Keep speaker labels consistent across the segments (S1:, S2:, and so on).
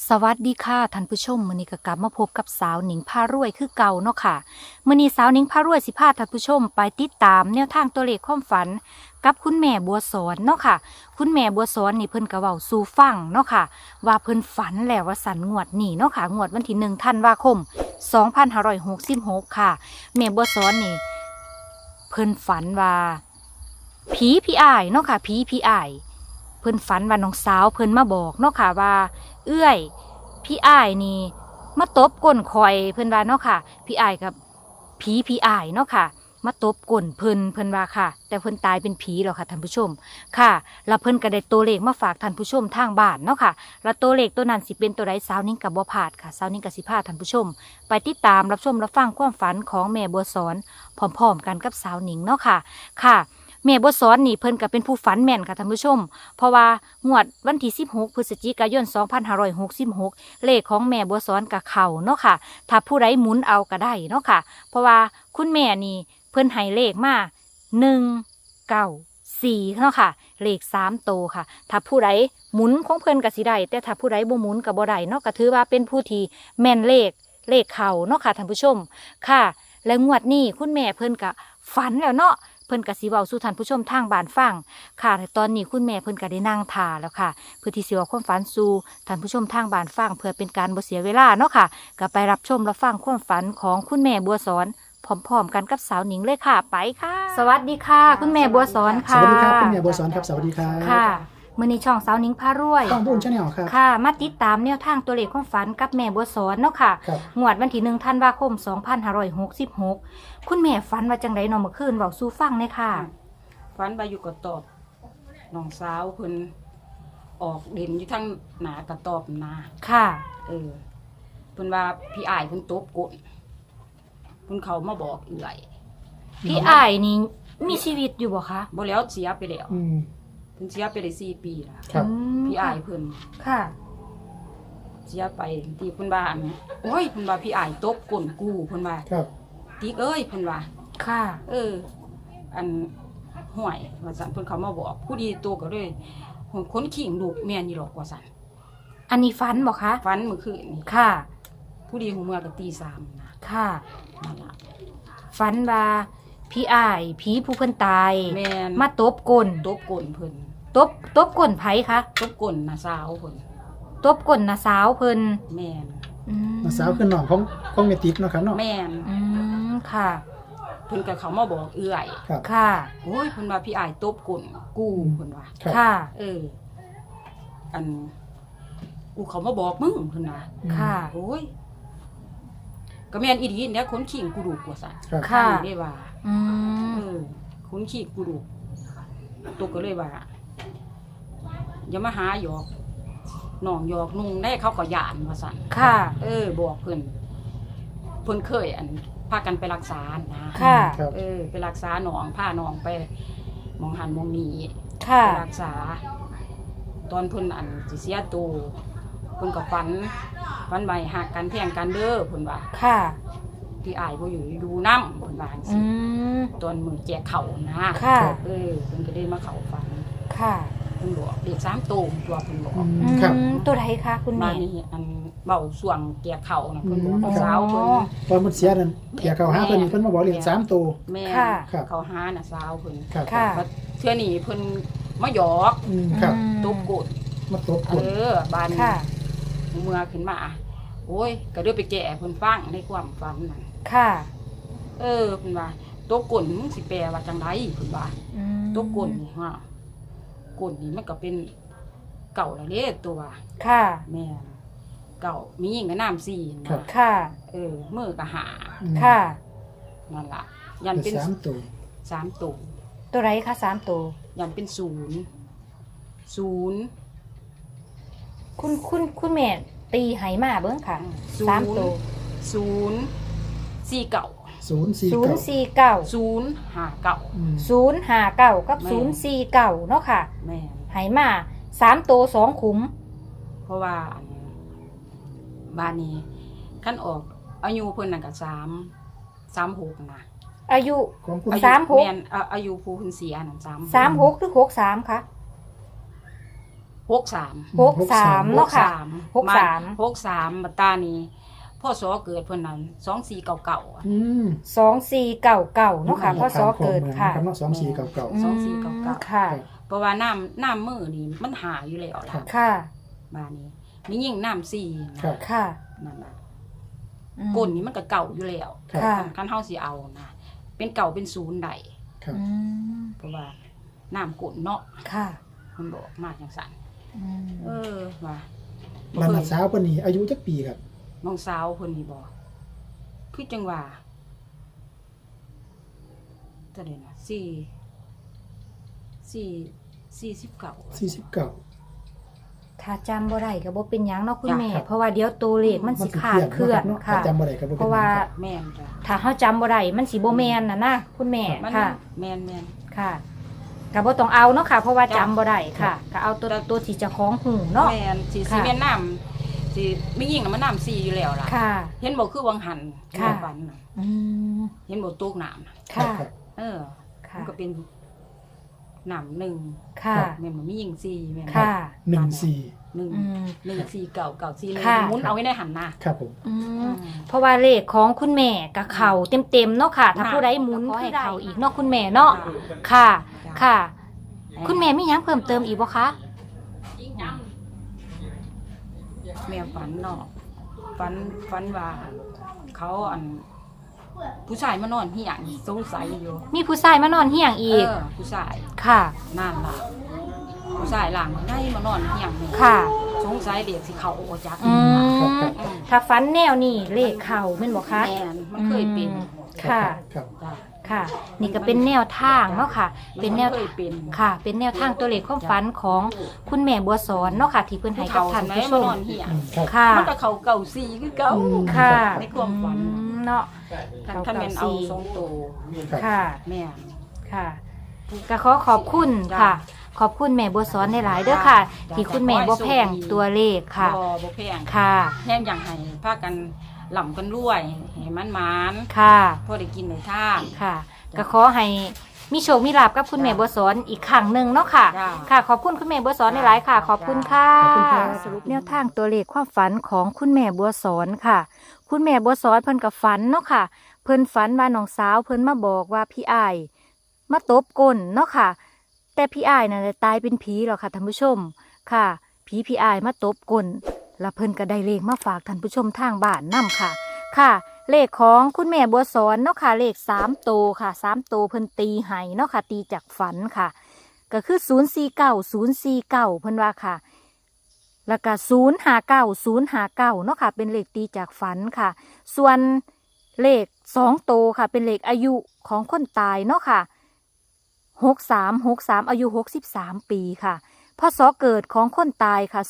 S1: สวัสดีค่ะท่านผู้ชมมื้อนี้ก็กลับมาพบกับสาวหนิงพารวยคือเก่าเนาะค่ะมื้อนี้สาวหนิงพารวยสิพาท่านผู้ชมไปติดตามแนวทางตัวเลขความฝันกับคุณแม่บัวสอนเนาะค่ะคุณแม่บัวสอนนี่เพิ่นก็เว้าสู่ฟังเนาะค่ะว่าเพิ่นฝันแล้วว่าสันงวดนี้เนาะค่ะงวดวันที่1ธันวาคม2566ค่ะแม่บัวสอนนี่เพิ่นฝันว่าผีพี่อ้ายเนาะค่ะผีพี่อ้ายเพิ่นฝันว่าน้องสาวเพิ่นมาบอกเนาะค่ะว่าเอื้อยพี่อ้ายนี่มาตบก้นคอยเพิ่นว่าเนาะค่ะพี่อ้ายกับพี่อ้ายเนาะค่ะมาตบก้นเพิ่นว่าค่ะแต่เพิ่นตายเป็นผีแล้วค่ะท่านผู้ชมค่ะแล้วเพิ่นก็ได้ตัวเลขมาฝากท่านผู้ชมทางบ้านเนาะค่ะแล้วตัวเลขตัวนั้นสิเป็นตัวใดสาวนิ่งกับบ่พลาดค่ะสาวนิ่งกับสิพาท่านผู้ชมไปติดตามรับชมรับฟังความฝันของแม่บัวสอนพร้อมๆกันกับสาวนิ่งเนาะค่ะค่ะแม่บัวสอนนี่เพิ่นก็เป็นผู้ฝันแม่นค่ะท่านผู้ชมเพราะว่างวดวันที่16พฤศจิกายน2566เลขของแม่บัวสอนกับเขาเนาะค่ะถ้าผู้ใดหมุนเอาก็ได้เนาะค่ะเพราะว่าคุณแม่นี่เพิ่นให้เลขมา194เนาะค่ะเลข3โตวค่ะถ้าผู้ใดหมุนของเพิ่นก็สิได้แต่ถ้าผู้ใดบ่หมุนก็บ่ได้เนาะก็ถือว่าเป็นผู้ที่แม่นเลขเขาเนาะค่ะท่านผู้ชมค่ะ และงวดนี้คุณแม่เพิ่นก็ฝันแล้วเนาะเพิ่นก็สิเว้าสู่ท่านผู้ชมทางบ้านฟังค่ะแต่ตอนนี้คุณแม่เพิ่นก็ได้นั่งท่าแล้วค่ะเพื่อที่สิเว้าความฝันสู่ท่านผู้ชมทางบ้านฟังเพื่อเป็นการบ่เสียเวลาเนาะค่ะก็ไปรับชมรับฟังความฝันของคุณแม่บัวสอนพร้อมๆกันกับสาวหนิงเลยค่ะไปค่ะ สวัสดีค่ะ คุณแม่บัวสอน
S2: ส
S1: ค่ะ
S2: วัสดีครับคุณแม่บัวสอนครับสวัสดีครับ
S1: ค่ะมื้อนี้ช่องสาวหนิงพารวย
S2: ต้องบุญชาแนลครับ
S1: ค่ะมาติดตามแนวทางตัวเลขความฝันกับแม่บัวสอนเนาะค่ะ
S2: ครับ
S1: งวดวันที่1ธันวาคม2566คุณแม่ฝันว่าจังไดเนาะเมื่อคืนเว้าสู่ฟังเลยค่ะ
S3: ฟันไปอยู่กระตอบน้องสาวเพิ่นออกเด่นอยู่ทั้งหนากระตอบนา
S1: ค่ะ
S3: เออเพิ่นว่าพี่อ้ายเพิ่นตบกดเพิ่นเขามาบอกเอื่อย
S1: พี่อ้ายนี่มีชีวิตอยู่บ่คะ
S3: บ่แล้วเสียไปแล้ว
S2: อืม
S3: เพิ่นเสียไปได้4 ปีแล้ว
S2: ครับ
S3: พี่อ้ายเพิ่น
S1: ค่ะ
S3: เสียไปที่เพิ่นว่าอันโอ้ยเพิ่นว่าพี่อ้ายตบก้นกูเพิ่นว่า
S2: ครับ
S3: ติ๊กเอ้ยเพิ่นว่า
S1: ค่ะ
S3: เออ อันห่วยว่าซั่นเพิ่นเขามาบอกผู้ดีตัวก็เลยคนขิงลูกแม่นอยู่หรอกว่าซั่น
S1: อันนี้ฝันบ่คะ
S3: ฟันเมื่อคืนนี่
S1: ค่ะ
S3: ผู้ดีหูเมื่อก็ตี3นะ
S1: ค่ะ
S3: นั่นล่ะ
S1: ฝันว่าพี่อ้ายผีผู้เพิ่นตาย
S3: แม่น
S1: มาตบก้น
S3: ตบก้นเพิ่น
S1: ตบก้นไผคะ
S3: ตบก้นน่ะสาวเพิ่น
S1: ตบก้นน้าสาวเพิ่น
S3: แม่น
S1: อืม
S2: น้าสาวคือน้องของเมติกเนาะครับเนาะ
S3: แม่น
S1: อืมค่ะ
S3: เพิ่นก็เขามาบอกเอื้อย
S2: ครับ
S1: ค่ะ
S3: โอ้ยเพิ่นว่าพี่อ้ายตบก้นกูเพิ่นว่า
S2: ครับ
S1: ค่ะ
S3: เออ อันกูเขามาบอกมึงเพิ่นว่า
S1: ค่ะ
S3: โอ้ยก็แม่นอีดีเนี่ยคนขิงกูดูกว่าซั่น
S2: ครับ
S1: ค่ะ
S3: อันนี้ได้ว่า
S1: อืม
S3: เออคนขิงกูดูตัวก็เลยว่าอย่ามาหาหยอกน้องหยอกนุ่งได้เขาก็ย่านว่าซั่น
S1: ค่ะ
S3: เออบอกเพิ่นเคยอันพากันไปรักษานะ
S1: ค่ะ
S2: ครับ
S3: เออไปรักษาหนองพาหนองไปหมองหันหมองนี้
S1: ค่ะ
S3: ไปรักษา ตอนเพิ่นอันสิเสียตัวเพิ่นก็ฝันใบหักกันแพงกันเด้อเพิ่นว่า
S1: ค่ะ
S3: ที่อายบ่อยู่ดูน้ำเพิ่นว่าจัง
S1: อื
S3: ซี่
S1: ม
S3: ตอนมื้อแจกข้าวนะ
S1: ค่ะ
S3: เออเพิ่นก็ได้มาเข้าฝัน
S1: ค่ะ
S3: เพิ่นบอกเด็ก3ตัวตัวเพิ่นบอก
S2: อืม
S1: อื
S2: ครับ
S1: มตัวใดคะคุณ
S3: มา
S1: แม่
S3: นี่อันเบ้าส่วงแจกข้าวนะเพิ่นบอก
S2: อืม
S3: สาวเพิ่น
S2: ตอนมันเสียนั่นเดี๋ยวเขาหาเพิ่นเพิ่นมาบอกเรียก3ตัว
S3: แม่
S1: ค่ะ
S2: ครับ
S3: เขาหาน่ะสาวเพิ่น
S2: ครับ
S1: ค่ะ
S3: บัดเทื่อนี้เพิ่นมาหยอก
S2: อืมครับ
S3: ตบกด
S2: มาตบก
S3: เอ
S2: ด
S3: อบาน
S1: ค่ะ
S3: เมื่อขึ้นมาโอ้ยก็เด้อไปแก่เพิ่นฟังในความฝันนั่น
S1: ค่ะ
S3: เออเพิ่นว่าตบกดมึงสิแปลว่าจังไดเพิ่นว่า
S1: อืม
S3: ตบกดนี่ฮะกดนี่มันก็เป็นเก่าละเด้ตัว
S1: ค่ะ
S3: แม่นเก่ามีหญิงกับน้ำสี่นะ
S1: ค่ะ
S3: เออมือก็หา
S2: อืม
S1: ค่ะ
S3: นั่นล่ะยัน
S2: เป็
S3: เป็น น
S2: 3ตัว
S3: 3ตัว
S1: ตัวไรคะ3ตัว
S3: ยันเป็นศูนย์
S1: คุณแม่ตีไหมาเบิ้งค่ะ3ตัว
S3: ศูนย์สี่เก่า
S2: 049
S1: 049
S3: ศูนย์หาเก่า
S2: อืม
S1: 059กับ
S3: แม่
S1: 049เนาะค่ะ
S3: แม่น
S1: ไหมา3ตัว2ขุม
S3: เพราะว่าอันบ้านนี้ขั้นออกอายุเพิ่นนั่นก็36นะ
S1: อายุ
S2: ของคุณ
S3: อายุ
S1: 36
S3: แม่นอายุผู้เพิ่นเสียนั่น36
S1: 36หรือ63คะ
S3: 63
S1: 63เนาะค่ะ
S3: 63บัดตานี้พ่อสอเกิดเพิ่นนั้น2499
S2: อืม
S1: 2499เนาะค่ะพ่อสอเกิดค่ะ
S2: ครับเนาะ2499
S1: อืม
S3: 2499
S1: ค่ะ
S3: เพราะว่าน้ำมือนี่มันหาอยู่แล้วล่ะ
S1: ค่ะ
S3: บ้านนี้มียิ่งน้ำซีนะครับ
S1: ค่ะ
S3: นั่นล่ะ
S1: อืม
S3: ก้นนี่มันก็เก่าอยู่แล้ว
S2: ครับ
S1: ค่ะ
S3: คันเฮาสิเอานะเป็นเก่าเป็นศูนย์ได้
S2: ครับ
S1: อืม
S3: เพราะว่าน้ำก้นเนาะ
S1: ค่ะ
S3: มันบอกมาจังซั่น
S1: อืม
S3: ว่า
S2: บ้านน้าสาวเพิ่นนี่อายุจักปีครับ
S3: น้องสาวเพิ่นนี่บอกคือจังว่าเท่าใดนะ49
S2: 49
S1: ถ้าจำบ่ได้ก็บ่เป็นหยังเนาะคุณ
S3: จ้ะ
S1: แม่
S2: ครับ
S1: เพราะว่าเดี๋ยวตัวเลขมันสิขาดเคลื่อน
S2: เนาะ
S1: ค่ะ
S2: จำบ่ได้ก็บ่เป็น
S1: เพราะว่า
S2: หยังครับ
S3: แม่นจ้ะ
S1: ถ้าเฮาจำบ่ได้มันสิบ่แม่นน่ะนะคุณแม่
S3: มัน
S1: ค่ะ
S3: แม่น
S1: ค่ะก็บ่ต้องเอาเนาะค่ะ เพราะว่า
S3: จ้ะ
S1: จำบ่ได้ค่ะก็เอาตัวที่เจ้าของหูเนาะ
S3: แม่นสิ
S1: ค่ะ
S3: แม่นน้ำสิมียิ่งน่ะมันน้ำซีอยู่แล้วล่ะ
S1: ค่ะ
S3: เห็นบอกคือวังหัน
S1: ค่ะ
S3: ฝันน่ะ
S1: อืม
S3: เห็นบอกตูกน้ำน่ะ
S1: ค่ะ
S2: ครับ
S3: เออ
S1: ค่ะ
S3: มันก็เป็นน้ำหนึ่ง
S1: ค่ะ
S3: แม่นบ่มียิ่งซีแม่นบ่
S1: ค่ะ
S2: 14
S3: หนึ่ง
S1: อืม
S3: หนึ่งซีเก่าซีหนึ่ง
S1: ค่ะ
S3: หมุนเอาไว้ในหันหน้า
S2: ครับผม
S1: อืมเพราะว่าเลขของคุณแม่กับเข่าเต็มๆเนาะค่ะ ถ้า
S3: ค่ะ
S1: ผู้ใดหมุนขอให้เข่าอีกเนาะคุณแม่เนาะค่ะ ค่ะ คุณแม่มีหยังเพิ่มเติมอีกบ่คะ
S3: แม่ฝันเนาะฝันว่าเขาผู้ชายมานอนเหี่ยงสงสัยอยู่
S1: มีผู้ชายมานอนเหี่ยงอีก
S3: ผู้ชาย
S1: ค่ะ
S3: นั่นล่ะผู้ชายหลังได้มานอนเหี่ยงนี่
S1: ค่ะ
S3: สงสัยเด็กสิเขาโอจัก
S1: อืม
S2: ครับครับ
S3: อืม
S1: ถ้าฟันแนวนี่เลขเข่าแม่นบ่คะ
S3: แม่นมันเคยเป็น
S1: ค่ะ
S2: ครับ
S3: จ้ะ
S1: ค่ะ นี่ก็เป็นแนวทางเนาะค่ะ เป็นแนว
S3: มัเคยเป็น
S1: ค่ะ เป็นแนวทางตัวเลขความฝันของคุณแม่บัวสอนเนาะค่ะ ที่เพิ่นให้กับท่านผู้ช
S3: มาม นอนเหี่ยง
S2: อืมครับ
S1: ค่ะ
S3: มันก็เขาเก่าซีคือเก่า
S2: อืม
S1: ค่ะ
S3: ในความฝัน
S1: เนาะ
S3: ถ้าแม่นเอาสองตัว
S2: ครับ
S1: ค่ะ
S3: แม่น
S1: ค่ะก็ขอบคุณ
S3: จ้ะ
S1: ค่ะ ขอบคุณแม่บัวสอนในหลายๆเด้อค่ะ
S3: จ้ะ
S1: ที่คุณแม่บ่แพงตัวเลขค่ะ
S3: บ่แพง
S1: ค่ะ
S3: แห้งอย่างให้พากันหล่ำกันรวยให้มันหมาน
S1: ค่ะ
S3: พอได้กินได้ทาน
S1: ค่ะ ก็ขอให้มีโชคมีลาภกับคุณแม่บัวสอนอีกครั้งหนึ่งเนาะค่ะ
S3: จ้ะ
S1: ค่ะ ขอบคุณคุณแม่บัวสอนในหลายๆค่ะ ขอบคุณค่ะ
S2: ขอบคุณครับ
S1: สรุปแนวทางตัวเลขความฝันของคุณแม่บัวสอนค่ะ คุณแม่บัวสอนเพิ่นกับฝันเนาะค่ะ เพิ่นฝันว่าน้องสาวเพิ่นมาบอกว่าพี่อ้ายมาตบก้นเนาะค่ะ แต่พี่อ้ายน่ะตายเป็นผีแล้วค่ะท่านผู้ชมค่ะผีพี่อ้ายมาตบก้นแล้วเพิ่นก็ได้เลขมาฝากท่านผู้ชมทางบ้านนํค่ะ ค่ะ เลขของคุณแม่บัวสอนเนาะค่ะเลข3ตัวค่ะ3ตัวเพิ่นตีให้เนาะค่ะตีจากฝันค่ะ ก็คือ049เพิ่นว่าค่ะ แล้วก็059เนาะค่ะเป็นเลขตีจากฝันค่ะ ส่วนเลข2ตัวค่ะ เป็นเลขอายุของคนตายเนาะค่ะ63อายุ63ปีค่ะพศเกิดของคนตายค่ะ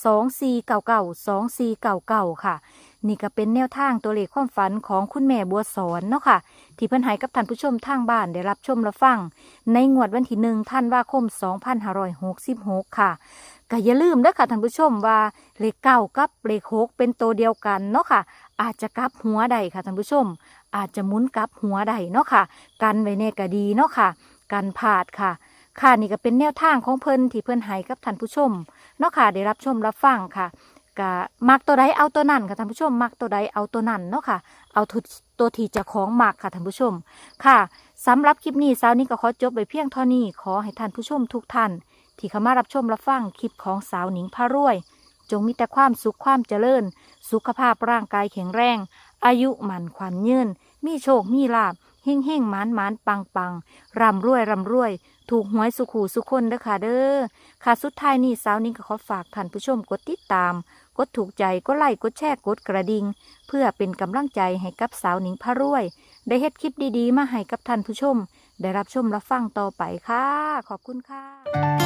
S1: 2499ค่ะ นี่ก็เป็นแนวทางตัวเลขความฝันของคุณแม่บัวสอนเนาะค่ะ ที่เพิ่นให้กับท่านผู้ชมทางบ้านได้รับชมรับฟัง ในงวดวันที่1ธันวาคม2566ค่ะก็อย่าลืมเด้อค่ะท่านผู้ชมว่าเลข9กับเลข6เป็นตัวเดียวกันเนาะค่ะ อาจจะกลับหัวใดค่ะท่านผู้ชม อาจจะหมุนกลับหัวใดเนาะค่ะ กันไว้แน่ก็ดีเนาะค่ะ กันพลาดค่ะ ค่ะนี่ก็เป็นแนวทางของเพิ่นที่เพิ่นให้กับท่านผู้ชมเนาะค่ะได้รับชมรับฟังค่ะก็มักตัวใดเอาตัวนั้นค่ะท่านผู้ชมมักตัวใดเอาตัวนั้นเนาะค่ะ เอาตัวที่เจ้าของมักค่ะท่านผู้ชมค่ะสำหรับคลิปนี้สาวนี้ก็ขอจบไปเพียงเท่านี้ขอให้ท่านผู้ชมทุกท่านที่เข้ามารับชมรับฟังคลิปของสาวหนิงพารวย จงมีแต่ความสุขความเจริญ สุขภาพร่างกายแข็งแรง อายุหมันขวัญยืนมีโชคมีลาภเฮ่งเฮ่งหมานหมานปังปังร่ำรวยร่ำรวย ถูกหวยสุขหูสุขคนเด้อค่ะเด้อค่ะสุดท้ายนี้สาวนิ้งก็ขอฝากท่านผู้ชมกดติดตาม กดถูกใจกดไลค์กดแชร์กดกระดิ่งเพื่อเป็นกำลังใจให้กับสาวหนิงพารวย ได้เฮ็ดคลิปดีๆมาให้กับท่านผู้ชม ได้รับชมรับฟังต่อไปค่ะ ขอบคุณค่ะ